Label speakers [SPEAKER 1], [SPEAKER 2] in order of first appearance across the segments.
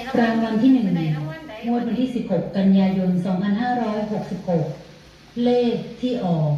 [SPEAKER 1] รางวัลที่1งวดวันที่16 กันยายน 2566 เลขที่ออก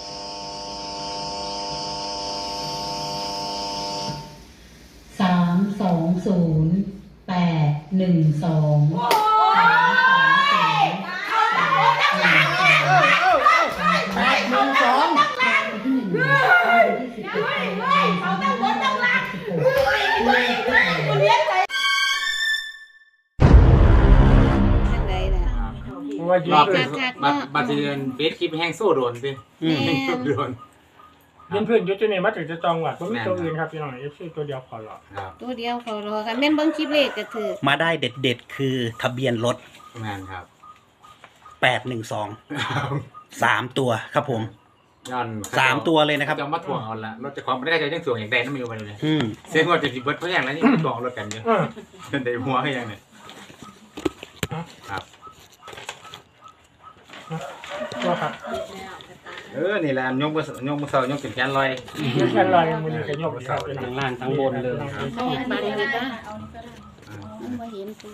[SPEAKER 2] รอบบัตรเดือนเฟซคลิปแห้งโซ่โดนสิโดน
[SPEAKER 3] เพื่อนเพื่อนยุทธเนี่ยมาถึงจะจองหวัดเพราะมีตัวอื่นครับพี่น้องเอฟซีตัวเดียวพอหรอ
[SPEAKER 4] ตัวเดียวพอรอค่ะแม่นเบิ้งคลิปเลขก็ถือ
[SPEAKER 5] มาได้เด็ดคือทะเบียนรถ
[SPEAKER 2] งานครับ
[SPEAKER 5] 812 3 ตัวครับผม
[SPEAKER 2] ย้อน
[SPEAKER 5] 3 ตัวเลยนะครับ
[SPEAKER 2] จะมาทวงเอาละรถจะของไม่ได้จะยังทวงอย่างใดนั่นไม่รู้ไปเลยเสียงว่าจะสิบเบิร์ดเพราะอย่างนั้นนี่ทวงรถกันเยอะจนได้หัวให้ยังเนี่ยครับ
[SPEAKER 3] ตัวครับ
[SPEAKER 2] นี่แหละยกมือเสายกถึงแขนลอย
[SPEAKER 3] แขนลอยมือกันยกเสา
[SPEAKER 5] ทั้งล่างทั้งบนเลย
[SPEAKER 4] มาเลยจ้ะมาเห็นกู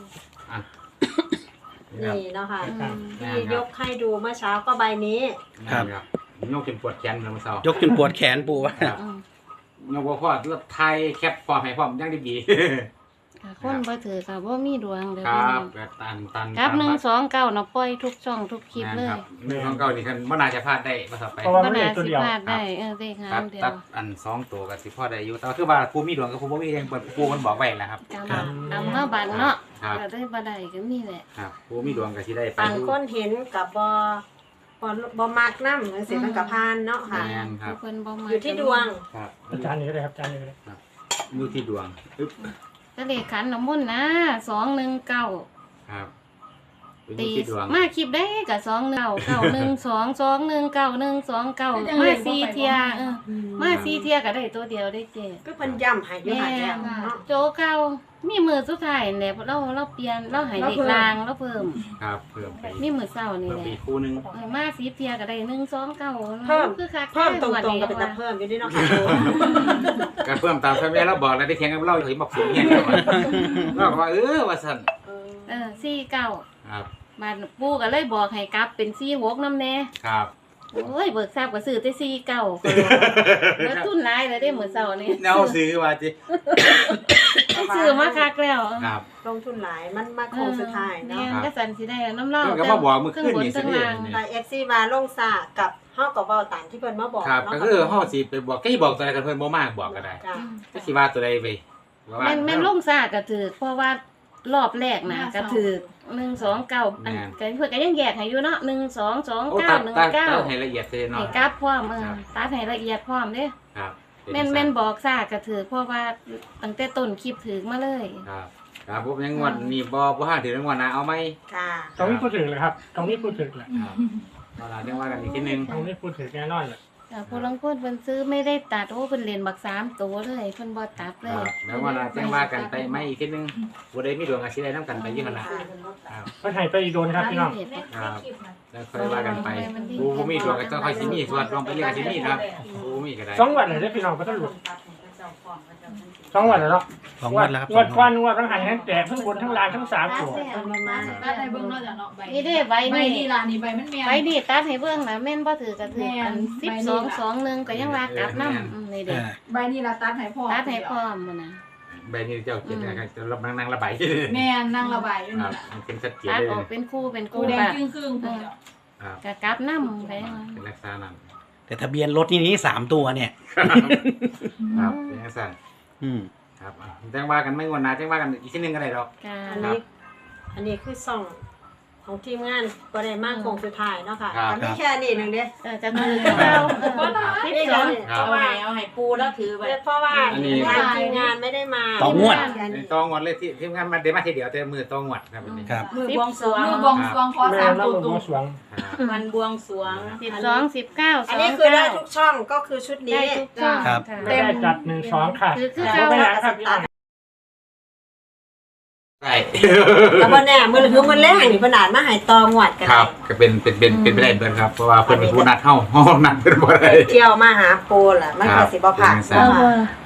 [SPEAKER 6] นี่เนาะค่ะที่ยกให้ดูเมื่อเช้าก็ใบนี้
[SPEAKER 2] ครับยกจนปวดแขนเลยมือเสาย
[SPEAKER 5] กจนปวดแขนปูว่
[SPEAKER 2] ายกพ่อรถไทยแคปพอให้พร้อมยังดี
[SPEAKER 4] คนบ่ถือค่ะบ่มีดวงเลย
[SPEAKER 2] ครับ
[SPEAKER 4] ครับ129เนาะปล่อยทุกช่องทุกคลิปเลย
[SPEAKER 2] 129นี่คันบ่น่าจะพลาดได้บ่ต่อไป
[SPEAKER 4] บ่น่าสิพลาดได้เลขหางเดียว
[SPEAKER 2] ตัดอัน2ตัวก็สิพอได้อยู่แต่คือว่าผู้มีดวงกับผู้บ่มียังผู้มันบอกไว้แหละครับ
[SPEAKER 4] ตามเนาะบังเนาะก็ได้บ่ได้ก็มีแหละ
[SPEAKER 2] ครับผู้มีดวงก็สิได้ไป
[SPEAKER 6] บางคนเห็นกับบ่มักนำจังซี่มันก็ผ่านเนาะค่ะ
[SPEAKER 4] เพิ่นบ่มัก
[SPEAKER 6] อยู่ที่ดวง
[SPEAKER 2] ครับ
[SPEAKER 3] อาจารย์นี่ก็ได้ครับอาจารย์นี่ก็ได้
[SPEAKER 2] อยู่ที่ดวง
[SPEAKER 4] ก็เลขขันน้ำมนต์นะ219
[SPEAKER 2] ครับ
[SPEAKER 4] ตีมาคลิปได้กับ2199122192129มา4เที่ยมา4เที่ยก็ได้ตัวเดียวได้เจ๊
[SPEAKER 6] ก็เพิ่นย้ำให้อยู่หาแก้วเนาะ
[SPEAKER 4] โจเก่ามีมือสุดท้ายแหละเราเปลี่ยนเราให้เลขลางเราเพิ่ม
[SPEAKER 2] ครับเพิ่มไป
[SPEAKER 4] มีมือเช้านี่แหละ
[SPEAKER 2] ปีคู่นึง
[SPEAKER 4] มา4เที่ยก็ได้129
[SPEAKER 6] เพิ่มคือคักเพิ่มตรงๆก็เป็นตาเพิ่มอยู่นี่เนาะค่ะ
[SPEAKER 2] ก็เพิ่มตามที่แม่เราบอกแล้วได้แข่งกับเราเห็นบอกสูงเนี่ยเราก็ว่าว่าซั่น
[SPEAKER 4] 49
[SPEAKER 2] ครับ
[SPEAKER 4] บ้านปู่ก็เลยบอกให้กลับเป็น46นำแน่
[SPEAKER 2] ครับ
[SPEAKER 4] โอ้ยเบิกทราบก็ซื้อแต่49แล้วทุนหลายแล้วได้มื้อเช้านี่
[SPEAKER 2] แนวซื้อว่าจิ
[SPEAKER 4] ซื้อมาคักแล้ว
[SPEAKER 2] ครับ
[SPEAKER 6] ลงทุนหลายมันมาโค้งสุดท้ายเนาะ
[SPEAKER 4] ก็สั่นสิได้น้ำเล่า
[SPEAKER 2] ก็มาบอกมื้อคืนนี่สิ
[SPEAKER 6] แต่ FC มาลงซากับเฮาก็เว้าตามที่เพิ่นมาบอก
[SPEAKER 2] เนาะก็คือเฮาสิไปบอกก็สิบอกตัวใดกันเพิ่นบ่มากบอกก็ได้ก็สิว่าตัวใดไป
[SPEAKER 4] แม่นลงซาก็ถือเพราะว่ารอบแรกนะก็ถือ129อันก็เพิ่นก็ยังแยกให้อยู่เนาะ122919
[SPEAKER 2] ให้ละเอียดเลยเนาะ
[SPEAKER 4] ให้กราฟพร้อมตัดให้ละเอียดพร้อมเด้
[SPEAKER 2] ครับ
[SPEAKER 4] แม่นบอกซาก็ถือเพราะว่าตั้งแต่ต้นคลิปถือมาเลย
[SPEAKER 2] ครับผมยังงวดนี่บ่ห้าถือรางวัลนะเอาไหม
[SPEAKER 6] ค่ะ
[SPEAKER 3] ต้องมีพูดถึงเลยครับต้องมีพูดถึงเลย
[SPEAKER 2] เราเรียกว่ากันอีกทีนึง
[SPEAKER 3] ต้องมีพูดถึงแน่นอนเลย
[SPEAKER 4] ผู้ลงทุนเพิ่นซื้อไม่ได้ตัดโอ้เพิ่นเรียนบัก3ตัวเลยเพิ่นบ่ตัดเลย
[SPEAKER 2] แล้วว่าจังว่ากันไปไม่อีกทีนึงบ่ได้มีดวงอาชีพใดนำกันไปอยู่หั่นล่ะ
[SPEAKER 3] เพิ่นให้ไปโดนครับพี่น้อง
[SPEAKER 2] ครับแล้วค่อยว่ากันไปผู้มีดวงก็ต้องค่อยสิมีส่วนลองไปเรียกสิมีครับผู้มีก็ได้
[SPEAKER 3] 2 วันเลยได้พี่น้องบ่ต้องหลุด2 วันแล้วเนาะ
[SPEAKER 5] 2 วันแล้วครับ
[SPEAKER 3] งวดทั้งหันทั้งแตกทั้งบนทั้งล่างทั้ง3ตัว
[SPEAKER 7] ตัดให้เบิ่งเนาะจ้ะเนาะใบ
[SPEAKER 4] นี่เด้ใบ
[SPEAKER 7] นี่ล่ะนี่ใบมันแม่น
[SPEAKER 4] ใบนี่ตัดให้เบิ่งน่ะแม่นบ่ถือก็ถือกัน1221ก็ยังว่ากลับนำนี่เด้
[SPEAKER 7] ใบนี่ล่ะตัดให้พร้อม
[SPEAKER 4] ตัดให้พร้อมมื้อน่ะ
[SPEAKER 2] ใบนี้เจ้าเขียนนะครับจะรับนั่งระบาย
[SPEAKER 7] แม่นนั่งระบายอยู่นี่ล่ะ
[SPEAKER 2] เป็นชัดเจน
[SPEAKER 4] เลยตัด
[SPEAKER 2] อ
[SPEAKER 4] อกเป็นคู่
[SPEAKER 7] แดงครึ่งๆพุ่นเนาะ
[SPEAKER 4] ก็กลับนำไป
[SPEAKER 2] เป็นลักษณะนั้น
[SPEAKER 5] แต่ทะเบียนรถนี่3 ตัวเนี่ย
[SPEAKER 2] ครับเป็นลักษณะครับแจ้งว่ากันไม่งวดหน้าแจ้งว่ากันอีกทีนึงก็ได้ดอก
[SPEAKER 6] อันนี้คือซ่องของทีมงานบ่ได้มาโค้งสุดท้ายเนาะค่ะอันนี้แค่นี้นึงเด้
[SPEAKER 4] จะคือเรา
[SPEAKER 6] บ่ต้องให้เอาให้ปูแล้วถือไว้เพราะว่าทีมงานไม่ได้มา
[SPEAKER 5] ต้องงวด
[SPEAKER 2] เลยที่ทีมงานมันได้มาทีเดียวแต่มือต้องงวดครับนี้
[SPEAKER 5] ครับ
[SPEAKER 7] มือบวงสรวงขอ3ตัวตุ้ม
[SPEAKER 6] มันบวงสรวง
[SPEAKER 4] 12 19
[SPEAKER 6] อันนี้คือได้ทุกช่องก็คือชุดนี้
[SPEAKER 5] ครับ
[SPEAKER 3] ได้จัด1 2ค่ะ
[SPEAKER 4] ไปหาครับ
[SPEAKER 2] ใช่
[SPEAKER 6] แล้วบ่แน่มื้อคือมื้อแรกนี่เพิ่นอ่านมาให้ตองวดกัน
[SPEAKER 2] ครับก็เป็นไปได้เบิ่นครับเพราะว่าเพิ่นเป็นผู้นัดเฮานัดเพิ่นบ่ได้
[SPEAKER 6] เที่ยวมาหาโปล่ะมันก็สิบ่ผ่าน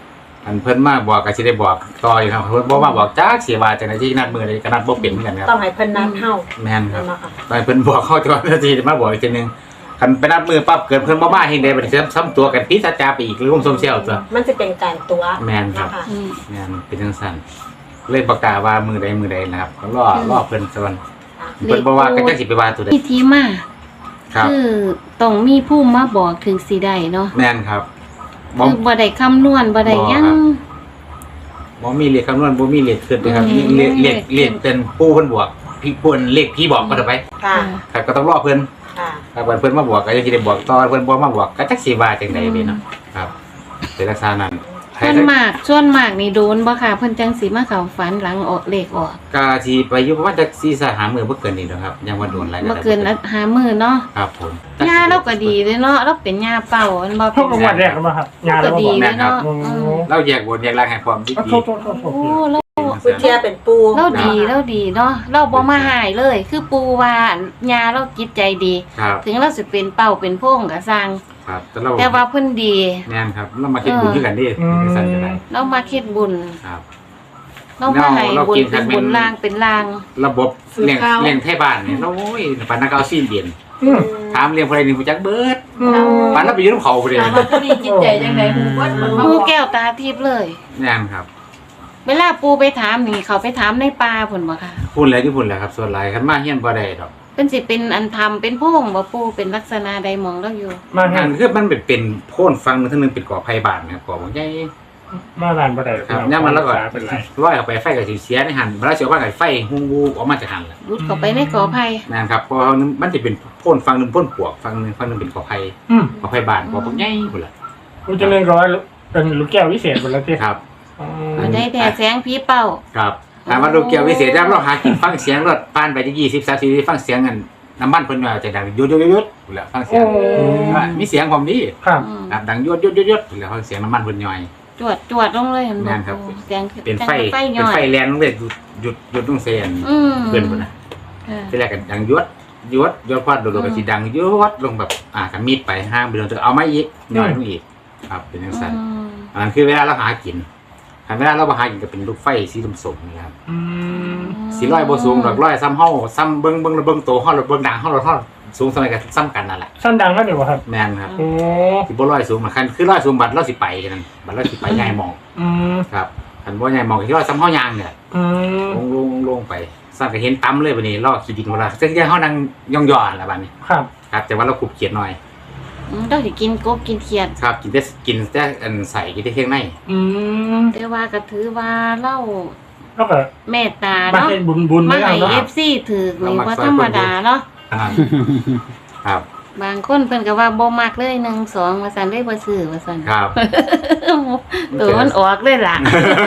[SPEAKER 2] อันเพิ่นมาบอกก็สิได้บอกต่ออยู่ครับเพิ่นบ่มาบอกจักสิว่าจังได๋ที่นัดมื้อใดก็นัดบ่เป็นเหมือนกันครับ
[SPEAKER 6] ต้องให้เพิ่นนัดเฮา
[SPEAKER 2] แม่นครับ
[SPEAKER 6] เนาะค่ะ
[SPEAKER 2] ตอนเพิ่นบอกเข้าก่อนสิมาบอกอีกทีนึงคันไปนัดมื้อปั๊บเกิดเพิ่นบ่มาเฮ็ดได้บัดนี้ซ้ำตัวกันพิษจาไปอีกลงโซเชียลตัว
[SPEAKER 6] มันจะเป็นการตัว
[SPEAKER 2] แม่นครับ
[SPEAKER 6] เนาะค่ะ
[SPEAKER 4] อืม
[SPEAKER 2] แม่นเป็นจังซั่นเลยประกาศว่ามื้อใดนะครับก็รอเพิ่นซะก่อนเพิ่นบ่ว่าก็จักสิไปว่าตัวใด
[SPEAKER 4] มีที่มา
[SPEAKER 2] ครับ
[SPEAKER 4] คือต้องมีผู้มาบอกถึงสิได้เนาะ
[SPEAKER 2] แม่นครับบ่
[SPEAKER 4] คือบ่ได้คำนวณบ่ได้หยัง
[SPEAKER 2] บ่มีเลขคำนวณบ่มีเลขขึ้นเลยครับ
[SPEAKER 4] อืม
[SPEAKER 2] เลขเป็นปู่เพิ่นบวกพี่เพิ่นเลขพี่บอกก็ได้ไป
[SPEAKER 6] ค่ะ
[SPEAKER 2] ครับก็ต้องรอเพิ่น
[SPEAKER 6] ค่ะ
[SPEAKER 2] ครับเพิ่นมาบวกก็ยังสิได้บอกต่อเพิ่นบ่มาบวกก็จักสิว่าจังได๋เนาะครับเป็นลักษณะนั้นใคร
[SPEAKER 4] ส่วนมากนี่โดนบ่ค่ะเพิ่นจังสิมาเข้าฝันหลังออกเลขออก
[SPEAKER 2] ก็สิไปอยู่ประมาณจัก4-5มื้อบ่เกินนี้ดอกครับยังบ่โดนหลาย
[SPEAKER 4] บ่เกินหามื้อเนาะ
[SPEAKER 2] ครับผม
[SPEAKER 4] ยาเราก็ดีเลยเนาะเราเป็นยาเป่ามันบ่
[SPEAKER 3] เท่ากับวันแรกแล้วครับงาน
[SPEAKER 4] ก็
[SPEAKER 3] แล้ว
[SPEAKER 4] ดี
[SPEAKER 3] บอก
[SPEAKER 4] เลยเนาะ
[SPEAKER 3] โอ้
[SPEAKER 4] อืม
[SPEAKER 2] เราแยกบนแยกล่างให้พร้อมดี
[SPEAKER 3] โทษ
[SPEAKER 4] โอ้เรา
[SPEAKER 6] วิทยาเป็นปู
[SPEAKER 4] เราดีเนาะเราบ่มาหายเลย คือปูว่ายาเราจิตใจดี
[SPEAKER 2] ครับ
[SPEAKER 4] ถึงเราสิเป็นเป่าเป็นโพงก็สร้าง
[SPEAKER 2] ครับแต่เรา
[SPEAKER 4] แต่ว่าเพิ่นดี
[SPEAKER 2] แม่นครับเรามาคิดบุญด้วยกันดิสั่นกันได้
[SPEAKER 4] เรามาคิดบุญ
[SPEAKER 2] ครับ
[SPEAKER 4] เรามาให้
[SPEAKER 2] เรา
[SPEAKER 4] บุญ
[SPEAKER 2] กิน
[SPEAKER 4] เป็นบุญล่างเป็นล่าง
[SPEAKER 2] ระบบเลี้ยงไทบ้านนี่โอ้ยปานนักเอาซีนเดียน
[SPEAKER 3] อืม
[SPEAKER 2] ถามเลี้ยงผู้ใดนี่ผู้จักเบิด
[SPEAKER 3] อืม
[SPEAKER 2] ปานเราไปอยู่นำเขาผู้ใด
[SPEAKER 7] ถามว่าผู้นี้จิตใจจังได๋ฮู้ว่ามันมา
[SPEAKER 4] ปู
[SPEAKER 7] บอก
[SPEAKER 4] แก้วตาทิพย์เลย
[SPEAKER 2] แม่นครับ
[SPEAKER 4] เวลาปูไปถามนี่เขาไปถามในป่าพุ่นบ่ค่ะ
[SPEAKER 2] พูดแล้วที่พูดแล้วครับส่วนหลายคันมาเฮียนบ่ได้ดอก
[SPEAKER 4] เป็นสิเป็นอันทำเป็นโพงบ่ปูเป็นลักษณะใดมองเราอยู่
[SPEAKER 3] มา
[SPEAKER 2] อั
[SPEAKER 3] งาน
[SPEAKER 2] นคือมันเป็นโพ่นฟังนึงทั้งนึงเป็นก่อไผบ้านนะครับก่อบ่ใหญ่
[SPEAKER 3] มางานบ่ได้
[SPEAKER 2] ครับย่ามมันแล้วก็
[SPEAKER 3] เป็นไร
[SPEAKER 2] ร้อยเข้าไปไฟก็สิเสียในหันบ่แล้วสิว่าไฟฮู้ออกมาจากหันล่ะ
[SPEAKER 4] รุดเข้าไปในกอไผ่
[SPEAKER 2] นั่นครับเพราะมันจะเป็นพ่นฟังหนึ่งพ่นปวกฟังหนึ่งเป็นขอไผ่
[SPEAKER 3] อืม
[SPEAKER 2] ขอไผ่บานขอพวกใหญ่หมดละ
[SPEAKER 3] กูจะเล่นร้อยเป็นลูกแก้ววิเศษหมดแล้วที่
[SPEAKER 2] ครับ
[SPEAKER 3] อ๋อ
[SPEAKER 4] มันได้แต่แสงผีเป่า
[SPEAKER 2] ครับถามว่าลูกเกียววิเศษแล้วเราหากินฟังเสียงรถผ่านไปที่20-30ฟังเสียงกันน้ำมันเพิ่นว่าจะดังยุดหมดละฟังเสียงมีเสียงความดี
[SPEAKER 3] ครับ
[SPEAKER 4] อืม
[SPEAKER 2] ครับดังยุดหมดละฟังเสียงน้ำมันเพิ่นย่อย
[SPEAKER 4] จวดลงเลยเห็น
[SPEAKER 2] แม่
[SPEAKER 4] บ่
[SPEAKER 2] นครับ
[SPEAKER 4] ปูแสง
[SPEAKER 2] เป็นไฟ
[SPEAKER 4] ไฟ
[SPEAKER 2] เป็น
[SPEAKER 4] ย่อย
[SPEAKER 2] ไฟแรงลงเลยหยุดต้องเสียง
[SPEAKER 4] อืม
[SPEAKER 2] เพิ่นพุ่นน่ะ
[SPEAKER 4] เออ
[SPEAKER 2] ที่แรกก็ดังยุดพอดโดดก็สิดังยุดลงแบบกับมีดไปห้างไปโดนเอาไม้อีกย่อยลงอีกครับเป็นจังซั่น
[SPEAKER 4] อืม
[SPEAKER 2] อันนั้นคือเวลาเราหากินเวลาเราหากินก็เป็นลูกไฟสีส้มๆนี่ครับ
[SPEAKER 3] อืม
[SPEAKER 2] สีร้อยบ่สูงดอกร้อยซ้ำเฮาซ้ำเบิ่งโตเฮาเบิ่งดังเฮาสูงสมัยกันซ้ำกันนั่นแหละ
[SPEAKER 3] สั้นดังก็เดี๋ยวครับ
[SPEAKER 2] แม่นครับ
[SPEAKER 3] โอ้
[SPEAKER 2] สิบ่ร้อยสูงคันคือร้อยสูงบัดเราสิไปกันนั่นบัดเราสิไปใหญ่มอง
[SPEAKER 3] อืม
[SPEAKER 2] ครับคันบ่ใหญ่มองที่ร้อยซ้ำเฮายางเนี่ย
[SPEAKER 3] อืม
[SPEAKER 2] ลงไปซ้ำก็เห็นต่ำเลยบัดนี้ลอกขี้ดินเวลาซึ่งเฮานั่งย่องๆล่ะบัดนี้
[SPEAKER 3] ครับ
[SPEAKER 2] ครับแต่ว่าเราขุบเขียดหน่อย
[SPEAKER 4] เราสิกินกบกินเขียด
[SPEAKER 2] ครับกินแต่อันใส่กินแต่เครื่องใน
[SPEAKER 3] อืม
[SPEAKER 4] แต่ว่าก็ถือว่าเล่า
[SPEAKER 3] แล้วก็
[SPEAKER 4] เมตตา
[SPEAKER 3] มา
[SPEAKER 4] เนาะ
[SPEAKER 3] เป็นบุญ
[SPEAKER 4] มา
[SPEAKER 3] ไม่เอา
[SPEAKER 4] ให้
[SPEAKER 3] เนาะ
[SPEAKER 4] FC ถือนี่ว่าธรรมดาเนาะ
[SPEAKER 2] ครับ
[SPEAKER 4] บางคนเพิ่นก็ว่าบ่มักเลย1 2ว่าซั่นเลยบ่ซื้อว่าซั่น
[SPEAKER 2] ครับ
[SPEAKER 4] ตัวมันออกเลยล่ะ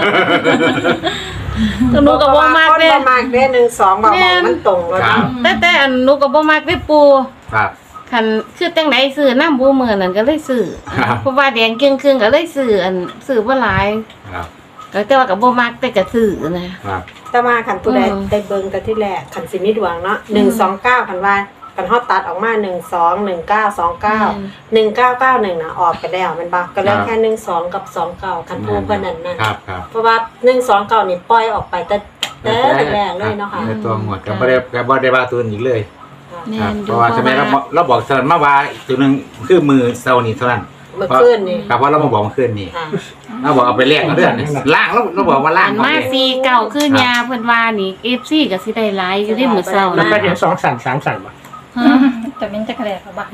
[SPEAKER 4] ตัวหนูก็บ่มัก
[SPEAKER 6] คน
[SPEAKER 4] เด้
[SPEAKER 6] บ่มากเด้1-2บ่บอกมันตรงแล้ว
[SPEAKER 2] ครั
[SPEAKER 6] เนาะ
[SPEAKER 2] บ
[SPEAKER 4] แต่อันหนูก็บ่มักเด้ปู
[SPEAKER 2] ครับ
[SPEAKER 4] คันคือจังไดซื้อน้ำบูมื้อนั้นก็เลยซื้อ
[SPEAKER 2] ครับ
[SPEAKER 4] เพราะว่าแดงครึ่งๆก็เลยซื้อซื้อบ่หลาย
[SPEAKER 2] ครับ
[SPEAKER 4] ก็แต่ว่าก็บ่มักแต่ก็ซื้อนะครับ
[SPEAKER 6] แต่ว่าคันผู้ใด
[SPEAKER 4] อืม
[SPEAKER 6] ได้เบิ่งกันที่แรกคันสิมีดวงเนาะ129คันว่าคันเฮาตัดออกมา121929 1991น่ะออกไปแล้วแมันบ่ก็เหลือแค่12กับ29คันผู้เพิ่นนั่นน่ะ
[SPEAKER 2] ครับ
[SPEAKER 6] เพราะว่า129นี่ปล่อยออกไปแต่แรกๆเลยเนาะค่ะ
[SPEAKER 2] ในตัวหมดก็บ่ได้ว่าตัวอีกเลย
[SPEAKER 4] แม่
[SPEAKER 2] ครับ
[SPEAKER 4] น
[SPEAKER 2] เพราะว่าทำไมเราบอกเซนมาว่าอีกตัวหนึงคือมือเซานี่เท่านั้น
[SPEAKER 6] เมื่อคืนนี่
[SPEAKER 2] ครับเพราะเรามาบอกเมื่อคืนนี่
[SPEAKER 6] ค่ะ
[SPEAKER 2] เราบอกเอาไปแลกเอาเรื่องนี่ล่างเราบอกว่าล่าง
[SPEAKER 4] อัน
[SPEAKER 2] เอา
[SPEAKER 4] มา
[SPEAKER 2] ไป
[SPEAKER 4] ซีเก่าคือยาเพิ่นว่านี่ FC ก็สิได้หลายอยู่ที่มื้อเช้า
[SPEAKER 3] แล้ว
[SPEAKER 4] นะ
[SPEAKER 3] ก็เห็น2 สั่น3สั่นป่ะ
[SPEAKER 7] จะเป็นจักรแลกบ่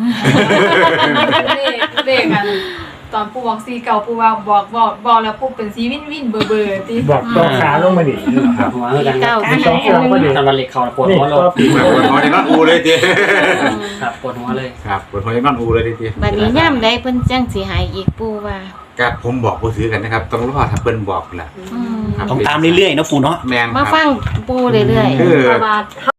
[SPEAKER 7] เลขกันตอนปู่บอกสีเก่าปู่ว่าบอกแล้วปู่เป็นสีวินเบอร์ติ
[SPEAKER 3] บอกตัวขาลงมาดิ
[SPEAKER 5] ครับหัวคือกัน
[SPEAKER 4] เก่า
[SPEAKER 3] มี2เครื่องพอดี
[SPEAKER 5] ทำวันเหล็กเขาปวด
[SPEAKER 3] นี่
[SPEAKER 5] หัวเล
[SPEAKER 3] ก็
[SPEAKER 5] ย
[SPEAKER 3] ปี
[SPEAKER 2] ปวดหัวในนอนอูเลยที
[SPEAKER 5] ครับปวดหัวเลย
[SPEAKER 2] ครับปวดหัวในนอนอูเลยที
[SPEAKER 4] บัดนี้ย่ำใดเพิ่นจังสิหายอีกปู่ว่า
[SPEAKER 2] ครับผมบอกผู้ซื้อกันนะครับต้องรอถ้าเพิ่นบอกแหละ
[SPEAKER 4] อืม
[SPEAKER 2] ครับ
[SPEAKER 5] ต้องตามเรื่อยๆนะปู่เนาะ
[SPEAKER 2] แมน
[SPEAKER 4] มา
[SPEAKER 2] ครับ
[SPEAKER 4] ฟังปู่เรื่อยๆ
[SPEAKER 2] คือ
[SPEAKER 6] เพราะว่า